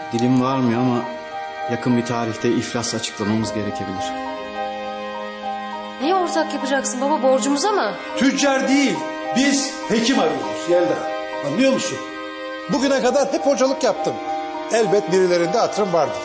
Dilim varmıyor ama yakın bir tarihte iflas açıklamamız gerekebilir. Neye ortak yapacaksın baba, borcumuza mı? Tüccar değil, biz hekim arıyoruz Yelda. Anlıyor musun? Bugüne kadar hep hocalık yaptım. Elbet birilerinde hatırım vardır.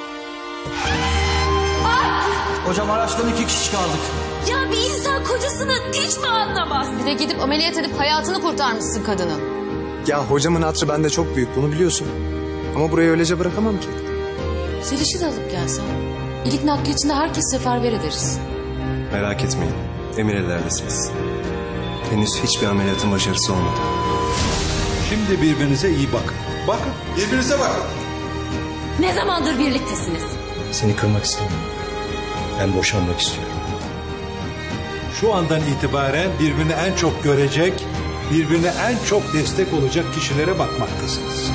Hocam araçtan 2 kişi kaldık. Ya bir insan kocasını hiç mi anlamaz? Bir de gidip ameliyat edip hayatını kurtarmışsın kadının. Ya hocamın hatırı bende çok büyük, bunu biliyorsun. Ama burayı öylece bırakamam ki. Zeliş'i de alıp gelsen. İlik nakli içinde herkes seferber ederiz. Merak etmeyin. Emir ellerdesiniz. Henüz hiçbir ameliyatın başarısı olmadı. Şimdi birbirinize iyi bakın. Bakın, birbirinize bakın. Ne zamandır birliktesiniz? Seni kırmak istemiyorum. Ben boşanmak istiyorum. Şu andan itibaren birbirini en çok görecek, birbirine en çok destek olacak kişilere bakmaktasınız.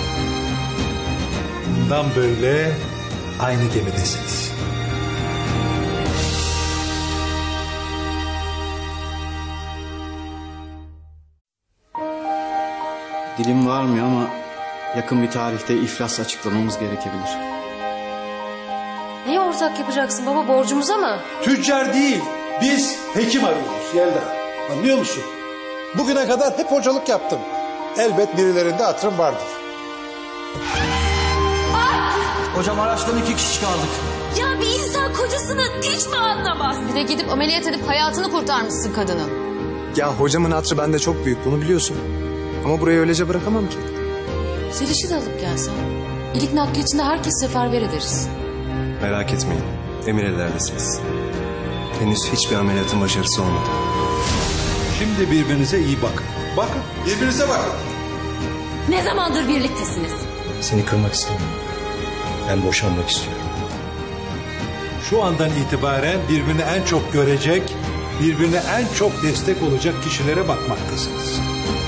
Bundan böyle aynı gemidesiniz. Dilim varmıyor ama yakın bir tarihte iflas açıklamamız gerekebilir. Neye ortak yapacaksın baba, borcumuza mı? Tüccar değil, biz hekim arıyoruz Yelda. Anlıyor musun? Bugüne kadar hep hocalık yaptım. Elbet birilerinde hatırım vardır. Hocam araçtan 2 kişi kaldık. Ya bir insan kocasını hiç mi anlamaz? Bir de gidip ameliyat edip hayatını kurtarmışsın kadının. Ya hocamın hatırı bende çok büyük, bunu biliyorsun. Ama burayı öylece bırakamam ki. Zeliş'i de alıp gelsen. İlik nakli içinde herkes seferber ederiz. Merak etmeyin. Emir ellerdesiniz. Henüz hiçbir ameliyatın başarısı olmadı. Şimdi birbirinize iyi bakın. Bakın, birbirinize bakın. Ne zamandır birliktesiniz? Seni kırmak istemiyorum. Ben boşanmak istiyorum. Şu andan itibaren birbirini en çok görecek, birbirine en çok destek olacak kişilere bakmaktasınız.